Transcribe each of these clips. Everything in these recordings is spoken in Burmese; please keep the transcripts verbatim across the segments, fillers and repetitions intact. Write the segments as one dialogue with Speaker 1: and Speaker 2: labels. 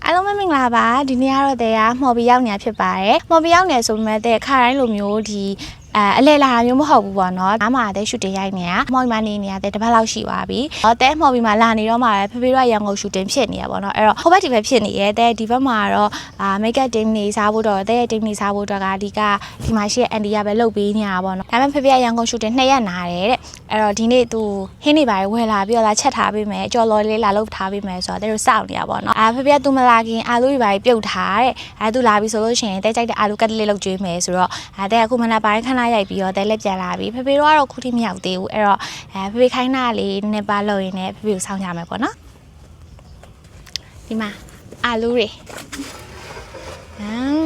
Speaker 1: အားလုံးပဲမင်္ဂလာပါဒီနေ့ကတော့တဲ့ကမော်ဘီရောက်နေတာဖြစ်ပါတယ်မော်ဘီရောက်နေဆိုပေမဲ့တဲ့ခါတိုင်းလိုမျိုးဒီအဲအလဲလာမျိုးမဟုတ်ဘူးပေါ့နော်ဒါမှတဲ့ရှူတင်ရိုက်နေတာမော်ဘီမှာနေနေရတဲ့တစ်ပတ်လောက်ရှိသွားပြီတဲ့မော်ဘီမှာလာနေတော့မှပဲဖေဖေတို့ကရန်ကုန်ရှူတင်ဖြစ်နေရပေါ့နော်အဲ့တော့ဟိုဘက်ဒီဘက်ဖြစ်နေရဲတဲ့ဒီဘက်မှာတော့အာမိတ်ကပ်တင်းနေစားဖို့တော့တဲ့တင်းနေစားဖို့တော့ကဒီကဒီမှာရှိတဲ့အန်ဒီကပဲလုပ်ပေးနေတာပေါ့နော်ဒါပေမဲ့ဖေဖေကရန်ကုန်ရှူတင်နှစ်ရက်နာတယ်တဲ့အဲ့တော့ဒီနေ့သူဟင်းနေပါဝယ်လာပြီးတော့လာချက်ထားပေးမယ်ကြော်လော်လေးလာလုပ်ထားပေးမယ်ဆိုတော့တဲ့တို့စောင့်နေရပေါ့နော်အာဖေဖေကသူမလာခင်အာလူတွေပါပြုတ်ထားတဲ့အဲသူလာပြီဆိုလို့ရှိရင်တဲ့ကြိုက်တဲ့အာလူကတ်လေးလုပ်ကျွေးမယ်ဆိုတော့အဲတဲ့အခုမနက်ပိုင်းခဏရိုက်ပြီးတော့တဲ့လက်ပြန်လာပြီဖေဖေတို့ကတော့ခုထိမရောက်သေးဘူးအဲ့တော့အဲဖေဖေခိုင်းတာလေးနည်းနည်းပါလုပ်ရင်းနဲ့ဖေဖေကိုစောင့်ကြမယ်ပေါ့နော်ဒီမှာအာလူတွေအ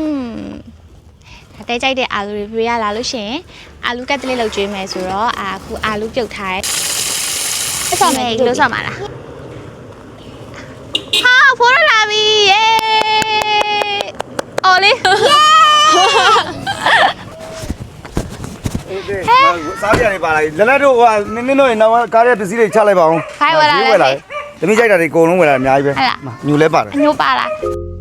Speaker 1: မ်တဲ့ကြိုက်တဲ့အာလူတွေဖေဖေကလာလို့ရှိရင်အာလူကတ်လေးလုပ်ကျွေးမယ်ဆိုတော့အာအခုအာလူပြုတ်ထားတဲ့အဆောင်မယ်လို့ဆောက်မှာလားဟာဖိုးရလာပြီယေအော်လေး
Speaker 2: စားပြနေပါလားလက်လက်တို့ဟိုနင်းနင်းတို့နောက်ကားရဲ့ပစ္စည်းတွေချလိုက်ပါအောင်
Speaker 1: ဖိုင်ဝလာလေ
Speaker 2: သမီးကြိုက်တာတွေအကုန်လုံးဝယ်လာအများကြီးပဲညူလဲပါတယ်
Speaker 1: ညူပါလား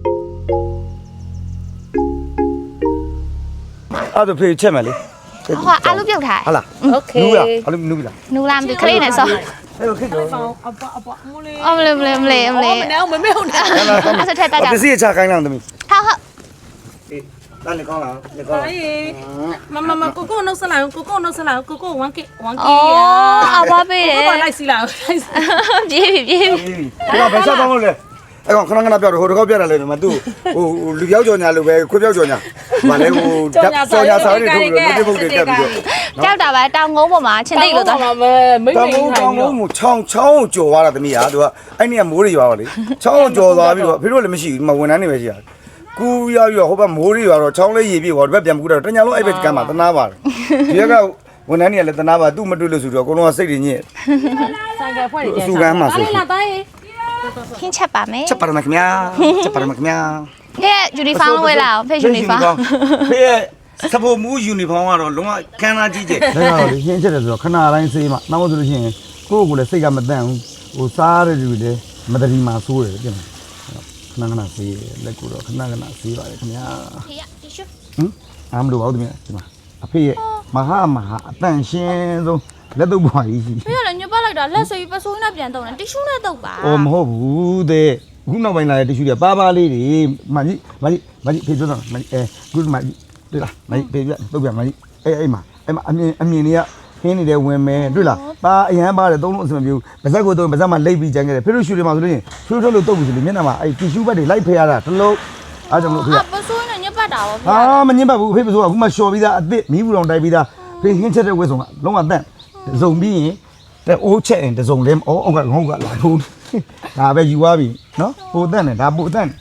Speaker 2: အဲ့ဒါဖေးချက်မယ်လေ
Speaker 1: ဟောအာလူပြုတ်ထား
Speaker 2: ဟုတ်လား
Speaker 1: โอเค
Speaker 2: နူလားအာလူနူပြီလား
Speaker 1: နူလားမသိခလေးနဲ့ဆော
Speaker 2: အဲ့လိုခစ်တော့
Speaker 1: အပအပမလေးအမလေးမလေးမလေးမလေးမနေအောင်မမေ့ဟုတ်တာအဲ့ဆက်ထက်တက်ကြ
Speaker 2: ပစ္စည်းချခိုင်းလောက်သမီး
Speaker 1: ဟုတ်ဟုတ်
Speaker 2: အေးတန်းနေကောင်းလားနေကောင်း
Speaker 3: အေးမမမကိုကိုနှုတ်ဆက်လိုက်ကိုကိုနှုတ်ဆက်လိုက်ကိုကိုone k one k
Speaker 1: အော်အဘပေးတယ်
Speaker 3: ကိုလိုက်စီလိုက်
Speaker 1: ပြေးပြီပြေးပြီ
Speaker 2: ဒီကဘယ်ချက်ကောင်းလို့လဲအဲ့ကောင်ခဏခဏပြောတယ်ဟိုတစ်ခေါက်ပြတယ်လေမသူဟိုလူပြောက်ကြော်ညာလို့ပဲခွေးပြောက်ကြော်ညာဗာလဲဟိုကြော်ညာစားရထုတ်လို့မတိဖုတ်တွေတက်ပြီးတော့
Speaker 1: ကြောက်တာပဲတောင်ကုန်းပေါ်မှာချင်းတိတ်လို့တော့
Speaker 3: မိမ့်
Speaker 2: တောင်ကုန်းတောင်ကုန်းကိုချောင်းချောင်းကိုကြော်သွားတာသမီးဟာသူကအဲ့နေ့ကမိုးတွေရွာတော့လေချောင်းကိုကြော်သွားပြီးတော့ဖေတို့လည်းမရှိဘူးမဝန်ထမ်းတွေပဲရှိတာကူရောက်ပြီးတော့ဟိုဘက်မိုးတွေရွာတော့ချောင်းလေးရေပြေသွားဒီဘက်ပြန်ကူတော့တညာလုံးအဲ့ဘက်ကမ်းမှာတနာပါတယ်ဒီကဝန်ထမ်းတွေကလည်းတနာပါသူ့မတွေ့လို့ဆိုတော့အကုန်လုံးကစိတ်တွေညစ်
Speaker 3: ဆိုင်ကဖွဲ့နေတယ်
Speaker 2: စူကမ်းမှာဆို
Speaker 3: လာတိုင်း
Speaker 1: ခင်းချက်ပါမယ်
Speaker 2: ချက်ပါရမခင်ဗျာချက်ပါရမခင်ဗျာ
Speaker 1: ဟဲ့ယူနီဖောင်းဝယ်လာအောင်ဖေယူနီဖောင်း
Speaker 2: ဖေစပိုမူယူနီဖောင်းကတော့လုံးဝခန်းသားကြီးကျယ်
Speaker 4: ဒါကတော့လေရှင်းချက်တယ်ဆိုတော့ခဏတိုင်းစေးမှနောက်မှဆိုလို့ရှိရင်ကိုယ့်ကိုယ်လည်းစိတ်ကမတန့်ဘူးဟိုစားရတဲ့လူတွေမတရီမှာဆိုးတယ်ပြင်ခဏခဏစေးလက်ကိုတော့ခဏခဏစေးပါတယ်ခင်ဗျာ
Speaker 1: ဖေရတီရှူ
Speaker 4: ဟမ်အားမလို့ပါဘူးတမီးဒီမှာအဖေရဲ့မဟာမဟာအတန့်ရှင်းဆုံးလက်တော့ပွားကြီးရှိ
Speaker 1: ဖေရလည်းညပတ်လိုက်တာလက်စိပ်ပစိုးနဲ့ပြန်တုံးတယ်တီရှူနဲ့တုပ်ပါ
Speaker 4: အော်မဟုတ်ဘူးတဲ့ခုနောက်ပိုင်းလာတဲ့တီရှူတွေပါပါလေးတွေမကြီးမကြီးမကြီးဖေပြောတော့မကြီးအဲခုမကြီးတွေ့လားမကြီးဖေပြတုပ်ပြမကြီးအဲအဲ့မှာအဲ့မှာအမြင်အမြင်တွေကခင်းနေတဲ့ဝင်မယ်တွေ့လားပါအရန်ပါတယ်သုံးလုံးအစမပြေဘူးပါဇက်ကိုတော့ပါဇက်မှာလိပ်ပြီးကြမ်းခဲ့တယ်ဖေတို့ရှူတွေမှာဆိုလို့ရင်ဖြိုးထုတ်လို့တုပ်ပြီဆိုလို့မျက်နှာမှာအဲ့တီရှူဘက်တွေလိုက်ဖယ်ရတာတလုံးအားကြောင့်လို့ဖေ
Speaker 1: ပစိုးနဲ့ညပတ်တာဗောဖေ
Speaker 4: ဟာမညစ်ပတ်ဘူးဖေပစိုးကခုမှလျှော်ပြီးသားအစ်စ်မီးဘူးတောင်တိုက်ပြီးသားဖေဟင်းချက်တဲ့ဝက်ဆောင်ကလုံးဝတန့်ဇုံပြီးရင်တဲ့အိုးချက်ရင်တစုံလဲအော်အောက်ကငုံကလာထိုးဒါပဲယူသွားပြီနော်ပိုတန့်တယ်ဒါပိုတန့်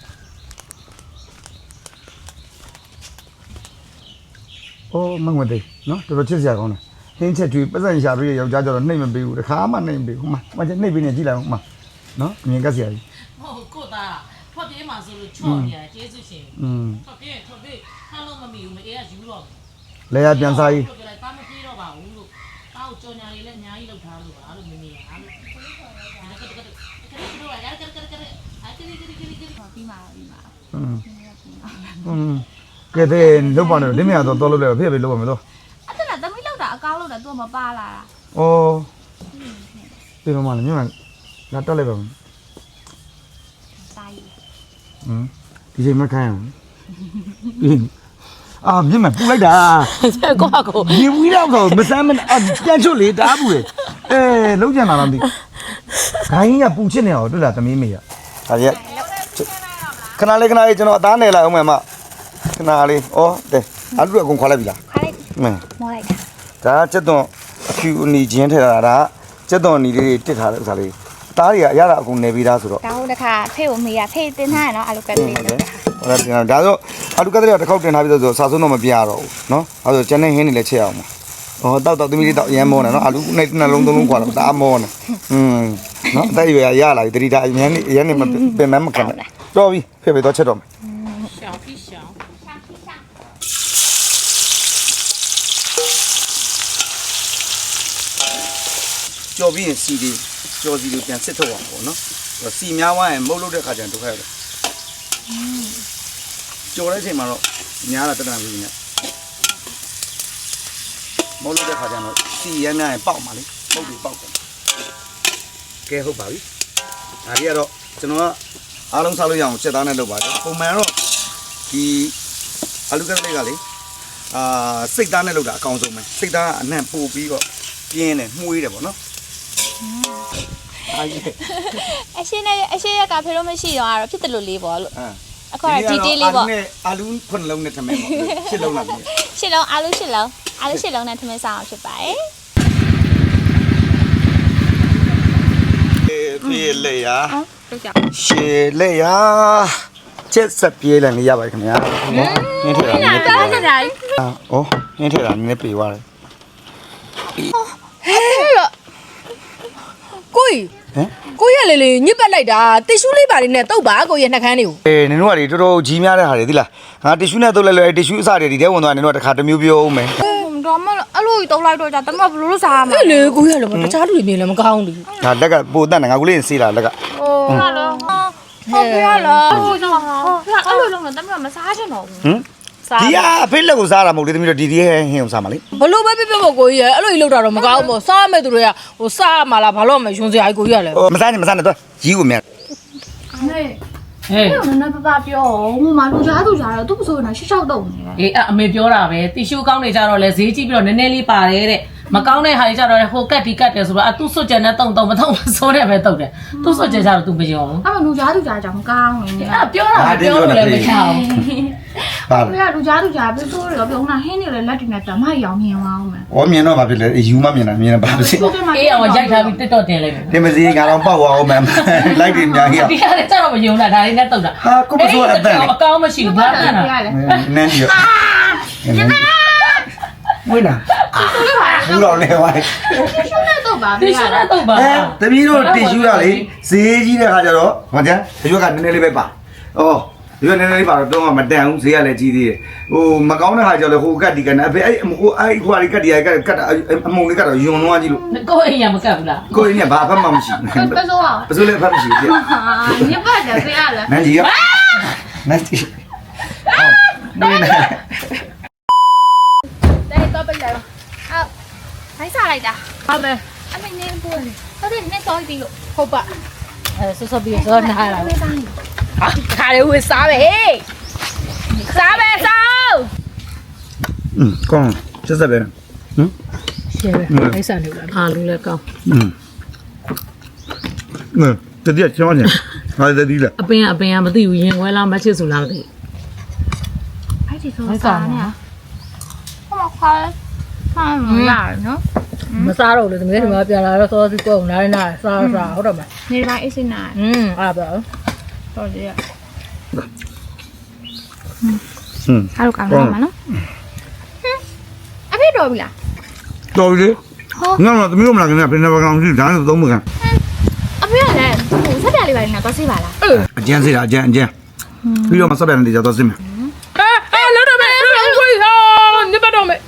Speaker 4: အိုးမငွေသေးနော်တော်တော်ချစ်စရာကောင်းတယ်ဟင်းချက်ကျွေးပတ်စံရှာပြီးယောက်ျားကျတော့နှိမ့်မပေးဘူးတခါမှနှိမ့်မပေးဘူးဟိုမှာမချက်နှိမ့်ပေးနေကြည့်လိုက်အောင်ဟိုမှာနော်အမြင်ကစရာကြီး
Speaker 3: ဟုတ်ကိုသားထွက်ပြေးမှာဆိုလို့ချော့နေတယ်ကျေးဇူးရှင်
Speaker 4: อืม
Speaker 3: ထွက်ပြေးထွက်ပြေးခါလို့မမီဘူးမအေးကယူတော့
Speaker 4: လဲရပြန်စားကြီး
Speaker 3: တာမပြေးတော့ပါဘူးလို့တောက်ကြော်ညာလေးလည်းအများကြီးလောက်ထားလို့ပါလို့မမေးရအားလို့
Speaker 1: ပြီးမှာပြီးမှာ
Speaker 4: อืมอืมကဲတဲ့လောက်ပါနဲ့လင်းမြတ်တော့တော်လို့လဲဖေဖေလောက်ပါမယ်တော့
Speaker 1: အဲ့ဒါသမီးလောက်တာအကောင်းလောက်တာသူမပါလာတာ
Speaker 4: ဩပြေမမလည်းမြန်မာလာတက်လိုက်ပါဦး
Speaker 1: စားရ
Speaker 4: อืมဒီချိန်မခိုင်းအောင်အာမြင်မပူလိုက်တာ
Speaker 3: ကိုကကို
Speaker 4: ဒီဝီတော့ဆိုမစမ်းမပြန်ချွတ်လေတားဘူးလေအဲလုံးကြံလာတော့မသိခိုင်းကပူချစ်နေအောင်တွေ့လားသမီးမေက
Speaker 2: ဟာရက်ခဏလေးခဏလေးကျွန်တော်အသားနယ်လိုက်အောင်မယ်မခဏလေးဩတဲ့အာလူအကုန်ခွာလိုက်ပြီလား
Speaker 1: ခွာလိုက်
Speaker 2: မင်း
Speaker 1: မောလိုက်တာ
Speaker 2: ဒါချက်သွန်အဖြူအနီချင်းထည့်တာဒါချက်သွန်အနီလေးတွေတစ်ထားတဲ့ဥစ္စာလေးသားတွေကအရတာအကုန်နေပြီးသားဆိုတော့
Speaker 1: ဒါဟုတ်တခါဖေကိုမေးရဖေတင်ထားရနော်အာလူကတ်လေး
Speaker 2: ဟုတ်တယ်ဟုတ်တယ်ဒါဆိုအာလူကတ်လေးတစ်ခေါက်တင်ထားပြီးဆိုစာစုံတော့မပြရတော့ဘူးနော်အဲဆိုကျန်တဲ့ဟင်းတွေလည်းချက်အောင်ဟောတောက်တောက်သမီးလေးတောက်အရမ်းမောနေနော်အာလူနဲ့နှလုံးသုံးလုံးခွာတော့ဒါမောနေอืมနော်အသက်ရွယ်ရလာပြီတတိတာအရမ်းအရမ်းနေမပင်မမခံတော့ပြီဖေဖေတော့ချက်တော့မယ်
Speaker 3: ရှောင်းပြီးရှောင်း
Speaker 2: ကြော်ပြီးရင်စီဒီကြော်စီကိုပြန်စစ်ထုတ်အောင်ပေါ့နော်စီများသွားရင်မုတ်လို့တဲ့ခါကျရင်ဒုက္ခရတယ်ကြော်တဲ့အချိန်မှာတော့ညားတာတက်တန်ပြီးနေမဟုတ်လို့တဲ့ခါကျတော့စီရမ်းများရင်ပေါက်ပါလေပုတ်ပြီးပေါက်တယ်ကဲဟုတ်ပါပြီဒါကြီးကတော့ကျွန်တော်ကအားလုံးစားလို့ရအောင်စက်သားနဲ့လုပ်ပါတယ်ပုံမှန်တော့ဒီအာလူကလေးကလေအာစိတ်သားနဲ့လုပ်တာအကောင်းဆုံးပဲစိတ်သားကအနှံ့ပို့ပြီးတော့ပြင်းတယ်မှုေးတယ်ပေါ့နော်အားကြီး
Speaker 1: အရှင်းနဲ့အရှင်းရက်ကဖေလို့မရှိတော့အဲ့တော့ဖြစ်တယ်လို့လေးပေါ့လို့
Speaker 2: အာ
Speaker 1: အခုကတော့ဒီတေးလေးပေါ့
Speaker 2: အာလူခုနှလုံးနဲ့ထမင်းပေါ့ရှစ်လုံးလား
Speaker 1: ရှစ်လုံးအာလူရှစ်လုံးအာလူရှစ်လုံးနဲ့ထမင်းစားအောင်ဖြစ်ပါတယ်
Speaker 2: ပြေးလေရ
Speaker 1: ဟုတ်ကြ
Speaker 2: ရှေးလေရချက်စပြေးလည်းနေရပါတယ်ခင်ဗျာနော်နင်းထည့်တာနည်းနည်းပြေးသွားတယ်အော်နင်းထည့်တာနည်းနည်းပြေးသွားတယ်
Speaker 5: ကိုကြီး
Speaker 2: ဟမ်
Speaker 5: ကိုကြီးကလေလေညစ်ပတ်လိုက်တာတစ်ရှူးလေးပါလေးနဲ့တုတ်ပါကိုကြီးနှက်ခမ်းလေးကို
Speaker 2: အေးနင်တို့ကလေတော်တော်ကြီးများတဲ့ဟာတွေသိလားငါတီရှူးနဲ့တုပ်လိုက်လို့တီရှူးအစတွေဒီထဲဝင်သွားနင်တို့ကတစ်ခါတစ်မျိုးပြောအောင်မယ်
Speaker 1: တော့မအဲ့လိုကြီးတုံးလိုက်တော့ကြတမဘလို့လို့စားမှာ
Speaker 5: အဲ့လေကိုကြီးကလည်းတခြားလူတွေမြင်လည်းမကောင်းဘူး
Speaker 2: ဒါလက်ကပိုတတ်တယ်ငါကလေးစေးလာလက်က
Speaker 1: ဟိုဟာလောဟုတ်ပြရလားဟိုကြောင့်အဲ့လိုလုံးတော့တမမစားချင်တော့ဘူး
Speaker 2: ဟမ်ဒီကအဖေးလက်ကိုစားတာမဟုတ်လေသမီးတို့ဒီဒီဟင်းဟင်းကိုစားမှာလေ
Speaker 5: ဘလို့ပဲပြပြဖို့ကိုကြီးရဲ့အဲ့လိုကြီးလောက်တာတော့မကောင်းဘူးစားမဲ့သူတွေကဟိုစားမှလားဘာလို့မယွန်းစရာကြီးကိုကြီးကလည်း
Speaker 2: ဟိုမစားနဲ့မစားနဲ့တော့ကြီးကိုမြန်
Speaker 1: အမေ
Speaker 3: ဟဲ့
Speaker 1: အဲ့တော့နည်းပပပြောဟိုမှာလူကြားသူကြားတော့သူ့ပစိုးနေတာရှစ်ချောက်တုံနေတယ်
Speaker 3: အေးအမေပြောတာပဲတီရှူးကောင်းနေကြတော့လဲဈေးကြည့်ပြီးတော့နည်းနည်းလေးပါတယ်တဲ့မကောင်းတဲ့ဟာတွေကြတော့ဟိုကတ်ဒီကတ်တယ်ဆိုတော့အသူ့စွတ်ကြံနဲ့တုံတုံမတုံမစိုးတဲ့ပဲတုတ်တယ်သူ့စွတ်ကြံကြတော့ तू မယုံဘူး
Speaker 1: အဲ့မှာလူကြားသူကြားကြောင်ကောင်းနေတယ်
Speaker 3: အဲ့ပြောတာပြောလို့လည်းမချအောင်
Speaker 2: ပါ
Speaker 1: ဘယ်ကလူကြားသူကြားပစိုးရောပြုံးတာဟင်းနေလေလက်တွေနဲ့တမရောင်မြင်အောင်မယ်
Speaker 2: ။ဩမြင်တော့ဘာဖြစ်လဲ။ယူမမြင်တာမြင်တာဘာဖြစ်လဲ
Speaker 3: အေးအောင်ရိုက်ထားပြီးတက်တော့တင်လိုက်မယ်
Speaker 2: ။တင်မစီငါတော့ပေါက်သွားအောင်မယ်။လိုက်ပြီးအများကြီး
Speaker 3: ဒီကလည်းကြတော့မယုံတာဒါလေးနဲ့တုတ်တာ
Speaker 2: ။ဟာကိုမစိုးအတန်လေ
Speaker 3: အကောင်းမရှိဘူးဘာမှန်းတာ
Speaker 1: ရတယ်
Speaker 2: ။နန်းကြီး။ဝိနာ။ဘူးတော့လေဝိုင်း
Speaker 1: ရှုံးတဲ့တော့ပါ
Speaker 3: တီရှူးနဲ့တုတ်ပါ
Speaker 2: ။အဲတပီးတို့တီရှူးရလေဈေးကြီးတဲ့ခါကျတော့ဟောကြ။ဒီရွက်ကနည်းနည်းလေးပဲပါ။အော်ဒီရွက်နည်းနည်းလေးပါတော့တော့မတန်ဘူးဈေးကလည်းကြီးသေးတယ်။ဟိုမကောင်းတဲ့ခါကျတော့ဟိုကတ်ဒီကနဲ့အဖေအဲ့ဟိုအဲ့ဟိုကတ်ဒီကကတ်ကတ်အမုံလေးကတော့ယွန်သွားကြည့်လို့
Speaker 3: ကိုအိမ်ရမကတ်ဘူးလား
Speaker 2: ကိုရင်းကဘာဖတ်မှမရှိဘူး
Speaker 1: ပစိုးအောင်
Speaker 2: ။ပစိုးလည်းဖတ်မရှိဘူးပြ
Speaker 1: ဟာညပတ်တယ်ပြရလား
Speaker 2: ။နန်းကြီးကနန်းကြီး။အော်နေနေ
Speaker 1: တဲ့တော့ပြလိုက်အော်ဘိုက်စားလိုက်တာဟုတ်ပဲအမေနေပို့လေဟုတ်တယ်နဲ့စောပြီးလို့
Speaker 5: ဟုတ်ပါအဲဆော့ဆော့ပြီးဆော့နားလာ
Speaker 1: ဝေးစားနေ
Speaker 5: ဟာခါလေးဝေးစားပဲဟေးစားပဲစား
Speaker 2: อืมကောင်းချက်ဆက်ပဲဟမ်
Speaker 5: ရှယ်ပဲအိုက်စားနေလားအားလုံးလည်းကောင်း
Speaker 2: อืมနော်တတိယချောင်းညာဟာတတိလား
Speaker 3: အပင်အပင်ကမသိဘူးရင်ဝဲလားမချစ်ဆိုလားမသိ
Speaker 1: ဘိုက်ဒီဆိုစားနေဟောခါမှန်လာနော်
Speaker 5: မစားတော့လေတမီးဒီမှာပြန်လာတော့စောစီကောနားနာစားစားဟုတ်တော့မ
Speaker 1: နေပိုင်းအစ်စင်နာ
Speaker 5: อืมအဲ့ဒါပဲ
Speaker 1: တော်တယ်
Speaker 2: ဟွန်း
Speaker 1: အားကောင်းလာမှာနော်အဖေတော်ပြီလား
Speaker 2: တော်ပြီလေငါတော့သမီးတို့မလာခင်ကပြင်နေပါကောင်ရှိဒါနဲ့သုံးမကန်
Speaker 1: အဖေကလည်းဟိုဆက်ပြလေးပါနေတော့ဆေးပါလား
Speaker 2: အကျန်းစေတာအကျန်းအကျန်းပြီးတော့မဆက်ပြန်နေကြတော့စင်မယ်
Speaker 5: အဲအဲလောက်တော့မယ်ကိုကြီးဟာနေပါတော့မယ်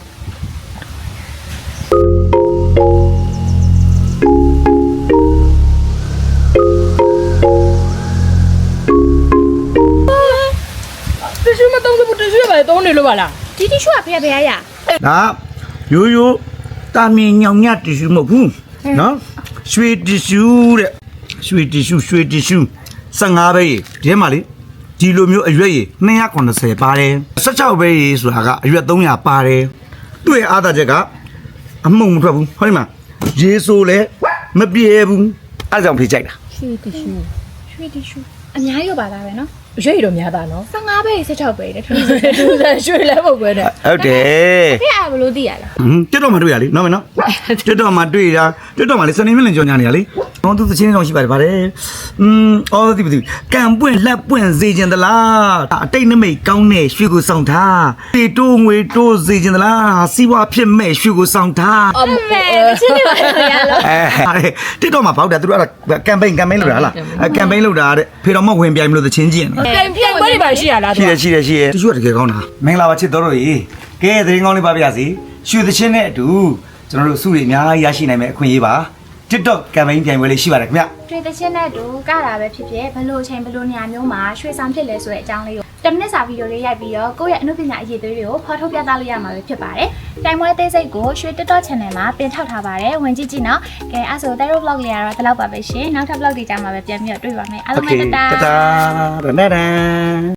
Speaker 5: တရှိမတော့ဘူးတရှိပဲတုံးနေလို့ပါလား
Speaker 1: ဒီတီရှူကဖေးဖေးရရ
Speaker 2: ဒါရိုးရိုးတာမင်ညောင်ညတီရှူမဟုတ်ဘူးနော်ရွှေတီရှူတဲ့ရွှေတီရှူရွှေတီရှူဆယ်ငါးပဲဒီထဲမှာလေဒီလိုမျိုးအရွက်ရည်နှစ်ရာခုနှစ်ဆယ်ပါတယ်ဆယ်ခြောက်ပဲရည်ဆိုတာကအရွက်သုံးရာပါတယ်သူ့ရဲ့အားသာချက်ကအမှုံမထွက်ဘူးဟုတ်တယ်မရေဆိုလဲမပြေဘူးအဲ့ကြောင့်ဖေးကြိုက်တာ
Speaker 5: ရွှေတီရှူ
Speaker 1: ရွှေတီရှူအများကြီးရပါသားပဲနော်
Speaker 5: ရွှေတော့များတာနော်
Speaker 1: ဆယ်ငါးပဲဆက်ချောက်ပဲတဲ့ထူး
Speaker 5: သူကရွှေလည်းမဟုတ်ပဲနဲ့
Speaker 2: ဟုတ်တယ်
Speaker 1: ဖေးအားဘလို့သိရလား
Speaker 2: ဟမ်တက်တော့မှတွေ့ရလေနော်မနော်တက်တော့မှတွေ့တာတက်တော့မှလေစနေမလင်ကြောင်ညာနေရလေတော့သူသချင်းဆောင်ရှိပါတယ်ဗါတယ်อืมအော်ဒီဒီကံပွင့်လက်ပွင့်စေခြင်းသလားအတိတ်နမိတ်ကောင်းတဲ့ရွှေကိုဆောင်ထားတေတိုးငွေတိုးစေခြင်းသလားစီးပွားဖြစ်မဲ့ရွှေကိုဆောင်ထား
Speaker 5: အမေ
Speaker 1: ချင်းနေပါရလား
Speaker 2: အဲတက်တော့မှဘောက်တယ်သူတို့အဲ့ဒါကမ်ပိန်းကမ်ပိန်းလုပ်တာဟလားကမ်ပိန်းလုပ်တာတဲ့ဖေတော်မဝင်ပြိုင်မလို့သချင်းကျင့်တယ်
Speaker 5: ပြန်ပြန်ခွဲနေပါရှိရလား
Speaker 2: ရှိတယ်ရှိတယ်ရှိတယ်တချို့တကယ်ကောင်းတာမင်္ဂလာပါချစ်တော်တို့ရေကဲသတင်းကောင်းလေးပါပြစီရွှေသချင်းနဲ့အတူကျွန်တော်တို့စုတွေအများကြီးရရှိနိုင်မယ့်အခွင့်အရေးပါ TikTok ကမ်ပိန်းပြိုင်ပွဲလေးရှိပါတယ်ခင်ဗျ
Speaker 1: တွေ့တဲ့ချင်းနဲ့တူကတာပဲဖြစ်ဖြစ်ဘလို့ချင်းဘလို့နေရာမျိုးမှာရွှေဆောင်ဖြစ်လဲဆိုတဲ့အကြောင်းလေးကို ten minutes စာဗီဒီယိုလေးရိုက်ပြီးတော့ကိုယ့်ရဲ့အနုပညာအရေးသွေးတွေကိုဖော်ထုတ်ပြသလို့ရမှာပဲဖြစ်ပါတယ်။တိုင်မွဲသေးစိတ်ကိုရွှေ TikTok channel မှာတင်ထောက်ထားပါတယ်။ဝင်ကြည့်ကြည့်နော်။ကဲအဲ့ဆို Tero vlog လေးကတော့ဒီလောက်ပါပဲရှင်။နောက်ထပ် vlog တွေကြမှာပဲပြန်ပြီးတော့တွေ့ပါမယ်။အားလုံးပဲတတာ
Speaker 2: တတာဒနဒန်